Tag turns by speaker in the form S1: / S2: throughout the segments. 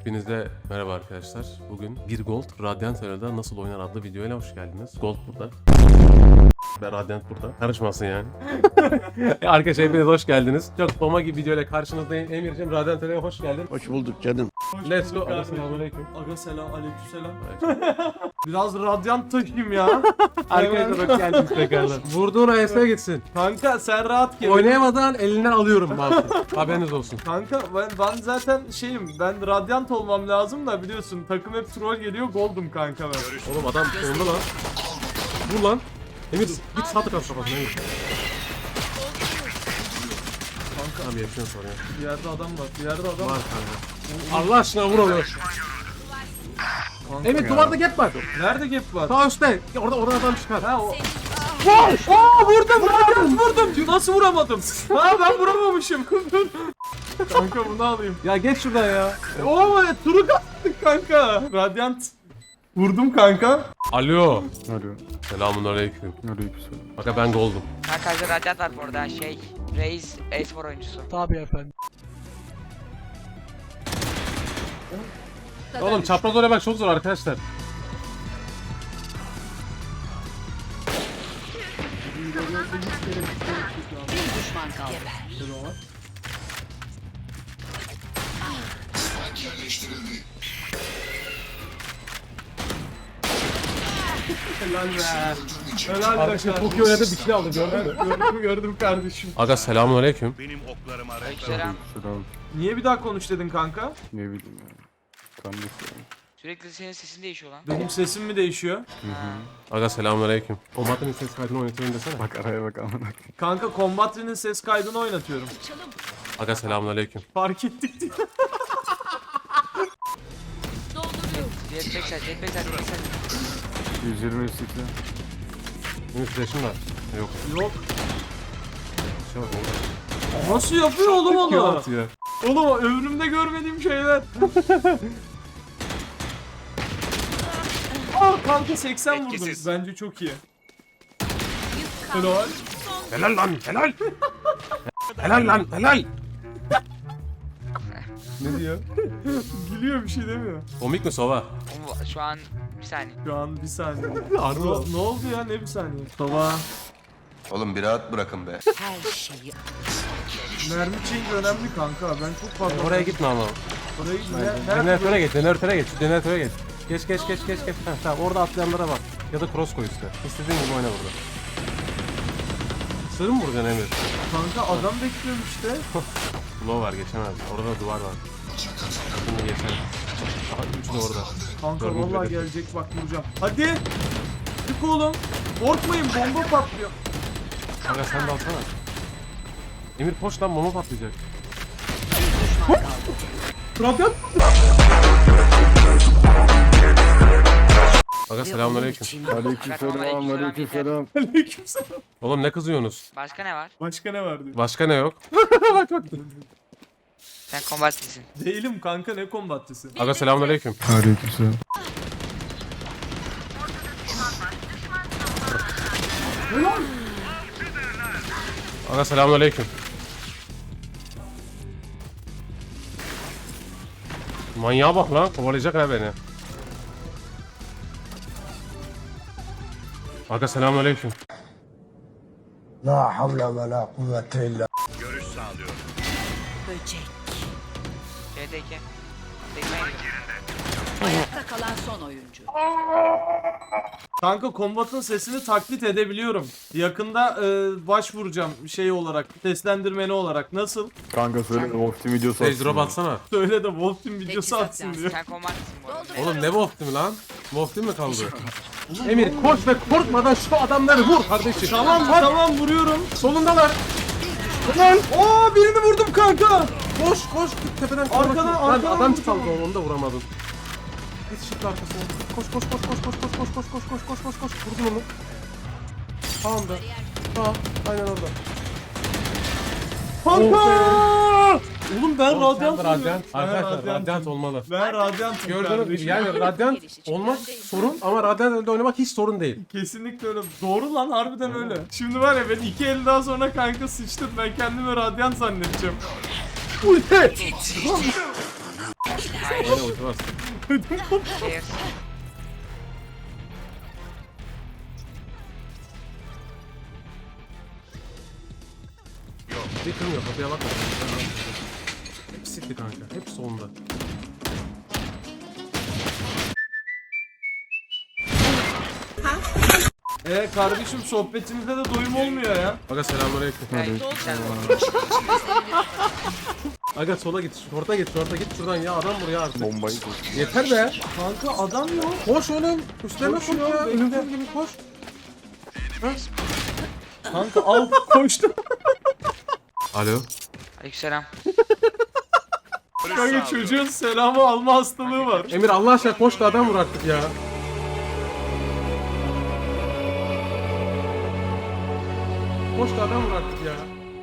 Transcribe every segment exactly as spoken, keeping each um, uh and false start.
S1: Hepinize merhaba arkadaşlar. Bugün bir Gold Radiant Arena'da nasıl oynar adlı videoyla hoş geldiniz. Gold burada. Ve Radiant burada. Karışmasın yani. Arkadaşlar hepiniz hoş geldiniz. Çok bomba gibi videoyla karşınızdayım. Emir'cim Radiant Arena'ya hoş geldin.
S2: Hoş bulduk canım.
S1: Let's go. Selamünaleyküm.
S3: Aga selam, aleykümselam. Biraz radyant taşıyım ya.
S1: Arkadaşlar hoş geldiniz tekrardan. Vurduğun A S'ye gitsin.
S3: Kanka sen rahat gel.
S1: Oynayamadan elinden alıyorum mouse'u. Haberiniz olsun.
S3: Kanka ben, ben zaten şeyim, ben radyant olmam lazım da biliyorsun takım hep troll geliyor, goldum kanka ben.
S1: Oğlum adam sonunda lan. Vur lan. Emir git sağ tık at kafasına Emir. Kanka abi yaşıyorsun sonra ya.
S3: Bir yerde adam var, bir yerde adam
S1: Var
S3: var.
S1: kanka. Allah aşkına vur onu.
S3: Kanka
S1: Emir
S3: ya.
S1: duvarda gap var.
S3: Nerede gap var?
S1: Sağ üstte. Orada oradan adam çıkar.
S3: Ha o. Aa vurdum, vurdum, vurdum. Nasıl vuramadım? Ha ben vuramamışım. Kanka bunu alayım.
S1: Ya geç şuradan ya.
S3: Oo turu kattık kanka. Radyant. Vurdum kanka.
S1: Alo.
S2: Alo.
S1: Selamünaleyküm.
S2: Aleykümselam.
S1: Bak ben goldum.
S4: Arkadaşlar Radyant var bu arada şey Reis e-spor oyuncusu.
S3: Tabii efendim.
S1: Oğlum çapraz oraya bak çok zor arkadaşlar.
S5: Bir düşman kaldı.
S3: Helal be. Helal be
S1: Arkadaşlar
S3: kardeşim.
S1: çok iyi oynadı bir kill aldı gördün mü?
S3: Gördüm gördüm kardeşim.
S1: Aga selamünaleyküm.
S4: Aleykümselam.
S2: Selam.
S3: Niye bir daha konuş dedin kanka?
S2: Ne bileyim ya. Tam da selam.
S4: Sürekli senin sesin değişiyor lan.
S3: Benim sesim mi değişiyor?
S1: Aga selamünaleyküm. O matın ses kaydını oynatıyorum desene.
S2: Bak araya bak amına.
S3: Kanka Combatry'nin ses kaydını oynatıyorum.
S1: Aga selamünaleyküm.
S3: Fark ettik diye.
S4: Jetpack sen, jetpack sen, jetpack sen.
S2: yüz yirmi seksen.
S1: Benim flash'im var. Yok.
S3: Yok.
S1: Şey bak oğlum.
S3: Nasıl yapıyor oğlum
S1: Kim
S3: onu?
S1: atıyor?
S3: Oğlum ömrümde görmediğim şeyler. Aa kanka seksen vurdum. Bence çok iyi. Helal.
S1: Helal lan helal. Helal lan helal. Ne diyor?
S3: Gülüyor, bir şey demiyor.
S1: Komik mi Sova?
S4: Oğlum, Şu an bir saniye.
S3: Şu an bir saniye.
S1: Harbi
S3: Ne, ne oldu ya, ne bir saniye? Baba.
S6: Oğlum bir rahat bırakın be.
S5: Her şeyi
S3: Mermi change önemli kanka. Ben çok fazla...
S1: Oraya gitme ama.
S3: Oraya gitme. Nerede?
S1: Jeneratöre geç, jeneratöre geç, jeneratöre geç. Geç geç geç geç geç. Heh, tamam orada atlayanlara bak. Ya da cross koy üstüne. İstediğin gibi oyna burada. Sığır mı vuracaksın Emir?
S3: Kanka adam bekliyorum işte.
S1: Low var geçemez. Orada da duvar var. Bunu geçer. Aha üçü de orada.
S3: Kanka
S1: Görmedim
S3: vallahi
S1: bile.
S3: gelecek bak, vuracağım. Hadi. Çık oğlum. Korkmayın, bomba patlıyor.
S1: Kanka sen de alsana. Emir koş lan bomba patlayacak.
S3: Radyant.
S1: Aga selamünaleyküm.
S2: Aleykümselam. Aleykümselam.
S3: Aleykümselam.
S1: Oğlum ne kızıyorsunuz?
S4: Başka ne var?
S3: Başka ne var diyor.
S1: Başka ne yok? Bak bak.
S4: Sen kombatlisin.
S3: Değilim kanka, ne kombatçısı.
S1: Aga selamünaleyküm.
S2: Aleykümselam.
S1: Aga selamünaleyküm. Manyağa bak lan, kovalayacak ha beni. Aga selamünaleyküm.
S7: La havle ve la kuvvete illa
S5: böcek.
S4: C D iki. Tekme gidiyor.
S5: Ayakta kalan son oyuncu.
S3: Kanka kombatın sesini taklit edebiliyorum. Yakında e, başvuracağım şey olarak, seslendirmeni olarak. Nasıl?
S2: Kanka söyle de Wolf'un videosu
S1: Sage drop atsana.
S3: Söyle de Wolf Team videosu
S5: Teçhizat
S3: atsın
S5: lazım.
S3: diyor.
S4: Sen kombatlisin bu arada.
S1: Oğlum ne Wolf Team lan? Wolf Team mi kaldı? Emir koş ve korkmadan şu adamları vur kardeşim.
S3: Tamam tamam vuruyorum.
S1: Solundalar.
S3: Lan! Aa birini vurdum kanka.
S1: Koş koş tepeden
S3: Arkadan,
S1: Lan
S3: arkadan
S1: adam
S3: vurdum.
S1: çaldı onu da vuramadın. Git shift arkasına. Koş koş koş koş koş koş koş koş koş koş koş koş koş. Vurdun onu. Tamam da. Tamam. Aynen orada.
S3: Kanka! Oğlum ben
S1: Oğlum sen
S3: radyant
S1: de
S3: oluyorum.
S1: radyant.
S3: Ben
S1: Arkadaşlar
S3: radyantım.
S1: radyant olmalı.
S3: Ben radyantım
S1: Gördüğünüz gibi
S3: kardeşim.
S1: yani radyant olmak sorun ama radyant elde oynamak hiç sorun değil.
S3: Kesinlikle öyle. Doğru lan, harbiden öyle. Şimdi var ya, ben iki el daha sonra kanka sıçtım. Ben kendimi radyant zannedeceğim.
S1: Ulti! Oyna ulti var.
S4: Stairs.
S1: Bir kırmıyor kapıya bakma. Hepsi sikti kanka. Hepsi sonunda.
S3: Ee kardeşim sohbetimizde de doyum olmuyor ya.
S1: Aga selamünaleyküm.
S4: Ay, sen
S1: Aga sola git. Şorta git. Şorta git şuradan ya. Adam buraya artık.
S2: Bombayı koy.
S1: Yeter be.
S3: Kanka adam yok.
S1: Koş oğlum. Üstlerine koş
S3: Koşuyor,
S1: ya.
S3: bekle.
S1: Ölümsüz gibi koş.
S3: Kanka al koştu.
S1: Alo.
S4: Aleykümselam.
S3: Kanka çocuğun selamı alma hastalığı var.
S1: Emir Allah aşkına koş da adam vur artık ya. Koş da adam vur artık ya.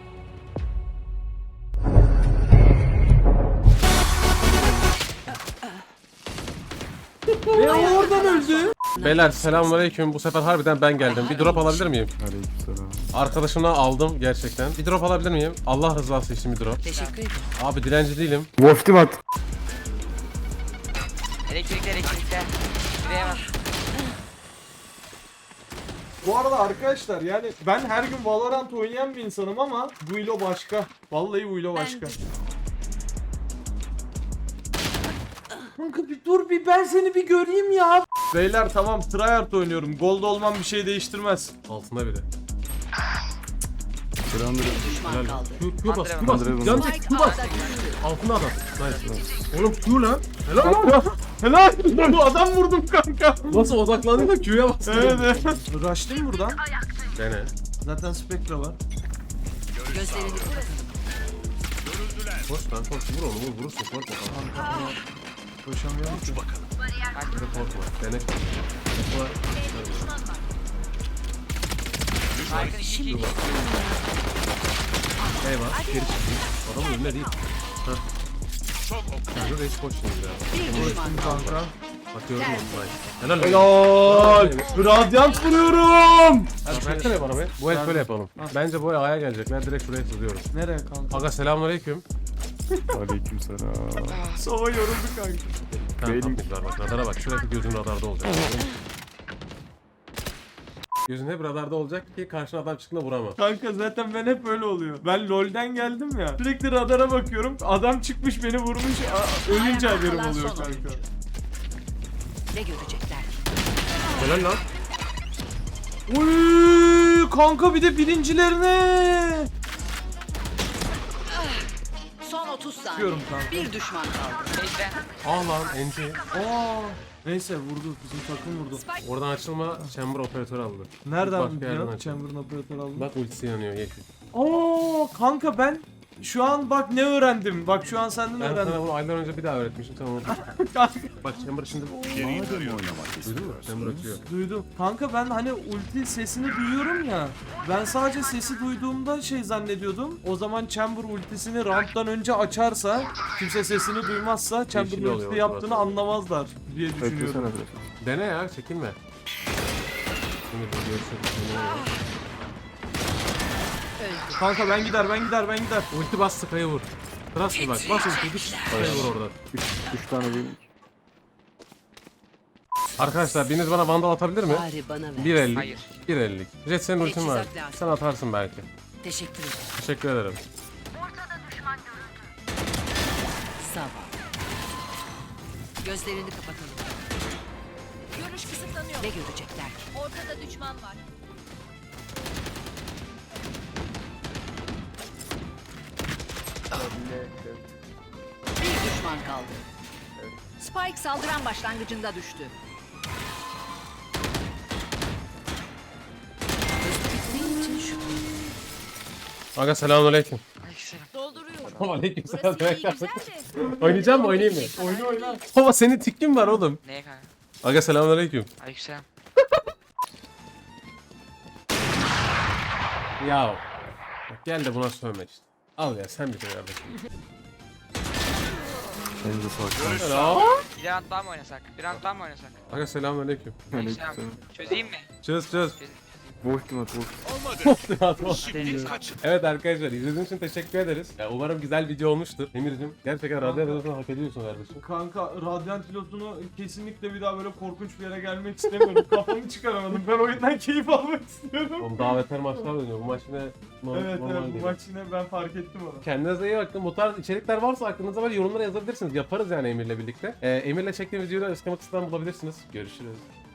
S3: E o oradan öldü.
S1: Beyler selamünaleyküm. Bu sefer harbiden ben geldim. Bir drop alabilir miyim?
S2: Aleykümselam.
S1: Arkadaşımla aldım gerçekten. Bir drop alabilir miyim? Allah rızası için bir drop.
S5: Teşekkür ederim.
S1: Abi dilenci değilim.
S2: Wolf team at.
S4: Elektrikler elektrikler. Direğe bak.
S3: Bu arada arkadaşlar yani ben her gün Valorant oynayan bir insanım ama bu ilo başka. Vallahi bu ilo başka. Kanka bir dur bir ben seni bir göreyim ya. Beyler tamam tryhard oynuyorum. Gold olmam bir şey değiştirmez.
S1: Altında biri.
S2: Selamünaleyküm.
S5: Düşman
S1: Helal.
S5: kaldı.
S1: Q, Q bas, Q bas.
S2: Andrei
S1: Can
S2: Andrei.
S1: çek, Q bas. Altında adam. Nice, nice. Oğlum Q lan. Helal lan.
S3: Helal. Bu adam vurdum kanka.
S1: Nasıl odaklandı da Q'ya bastı.
S3: Evet evet. Rush'layım buradan.
S1: Dene.
S3: Zaten Spectre var.
S5: Gözlerini kapatın.
S1: Koş lan koş. Vur onu vur. Vurursun. Korkma kanka.
S3: Koşamıyorum ki.
S1: Böyle korkma. Dene. Korkma.
S4: Harika iki iki.
S1: Eyvah. Geri çıkayım. Adamın önüne değil. Hah. Kanka reis koş şimdi ya.
S5: Bir düşman kaldı.
S3: Kanka.
S1: Bakıyorum onu. Helal.
S3: Helal. Radyant vuruyorum.
S1: Hadi versene bana be. Bu el şöyle yapalım. Bence bu el A'ya gelecekler. Direkt şuraya sızıyoruz.
S3: Nereye kanka?
S1: Aga selamünaleyküm.
S2: Aleykümselam.
S3: Sova yoruldu kanka.
S1: Tamam
S2: Beynim.
S1: tatlıklar bak. Radara bak. Sürekli gözün radarda olacak. Gözün hep radarda olacak ki karşına adam çıktığında vurama.
S3: Kanka zaten ben hep öyle oluyor. Ben LoL'den geldim ya. Sürekli radara bakıyorum. Adam çıkmış beni vurmuş. Aa, ölünce
S5: Ayakta
S3: haberim
S5: kalan
S3: oluyor
S5: son
S3: kanka.
S5: oyuncu. Ne görecekler?
S1: Helal lan.
S3: Uy, kanka bir de birincilerine.
S5: Son otuz saniye.
S3: Çıkıyorum kanka.
S5: Bir düşman kaldı.
S4: Base'den.
S1: Ah lan N T.
S3: Aa. Neyse vurdu. Bizim takım vurdu.
S1: Oradan açılma chamber operatörü aldı.
S3: Nereden
S1: Başka yerden
S3: biliyorsun?
S1: açıldı.
S3: Chamber'ın operatörü aldım.
S1: Bak ultisi yanıyor yeşil.
S3: Aa kanka ben şu an bak ne öğrendim. Bak şu an senden
S1: Ben
S3: öğrendim.
S1: sana bunu aylar önce bir daha öğretmiştim sen unutma.
S3: Kanka,
S1: Bak chamber şimdi... Duydun mu? Chamber açıyor.
S3: duydum. Kanka ben hani ulti sesini duyuyorum ya. Ben sadece sesi duyduğumda şey zannediyordum. O zaman Chamber ultisini round'dan önce açarsa, kimse sesini duymazsa Chamber'ın
S1: Yeşil oluyor
S3: ulti
S1: orada.
S3: yaptığını anlamazlar diye
S2: Beklesene
S3: düşünüyorum.
S2: biraz.
S1: Dene ya çekinme. Şimdi bir görüşürüz.
S3: Kanka ben gider, ben gider, ben gider.
S1: Ulti bas Sky'ı vur. Trust me bak bas ulti git Sky'ı vur oradan.
S2: Üç, üç tane benim.
S1: Arkadaşlar biriniz bana vandal atabilir mi?
S5: Bari bana ver.
S1: bir elli.
S4: Hayır.
S1: bir elli. Jet senin ultin var.
S5: Teçhizat lazım.
S1: Sen atarsın belki.
S5: Teşekkür ederim.
S1: Teşekkür ederim.
S5: Sağ ol. Gözlerini kapatalım.
S8: Görüş kısıtlanıyor.
S5: Ne görecekler?
S8: Ortada düşman var.
S5: Bir düşman kaldı. Spike saldıran başlangıcında düştü. Bittiği için şu
S1: Aga selamünaleyküm.
S4: Aleykümselam.
S8: Dolduruyorum.
S1: Aleykümselam.
S8: Burası iyi güzel de.
S1: Oynayacağım mı oynayayım mı?
S3: Oyna oyna.
S1: Baba senin tikin var oğlum.
S4: Neye kanka?
S1: Aga selamünaleyküm.
S4: Aleykümselam.
S1: Ya. Bak gel de buna sövme işte. Al ya sen bir de kardeşim.
S2: Elinize sağlık.
S1: Helal.
S4: Bir round daha mı oynasak? Bir round daha mı oynasak?
S1: Aga selamünaleyküm.
S4: Aleykümselam.
S2: Aleykümselam.
S4: Çözeyim mi?
S1: Çöz çöz.
S4: Çözeyim. çözeyim.
S2: Ultimate ultimate.
S1: Evet arkadaşlar izlediğiniz için teşekkür ederiz. Ya, umarım güzel video olmuştur. Emir'cim gerçekten Radyant Pilot'unu hak ediyorsun kardeşim.
S3: Kanka Radiant pilotunu kesinlikle bir daha böyle korkunç bir yere gelmek istemiyorum. Kafamı çıkaramadım. Ben oyundan keyif almak istiyorum.
S1: Oğlum daha beter maçlar dönüyor. Bu maç yine normal,
S3: Evet
S1: normal
S3: evet bu
S1: geliyor.
S3: maç yine ben fark ettim onu.
S1: Kendinize iyi bakın. Bu tarz içerikler varsa aklınızda böyle yorumlara yazabilirsiniz. Yaparız yani Emir'le birlikte. Ee, Emir'le çektiğim videoyu da açıklama kısmından bulabilirsiniz. Görüşürüz.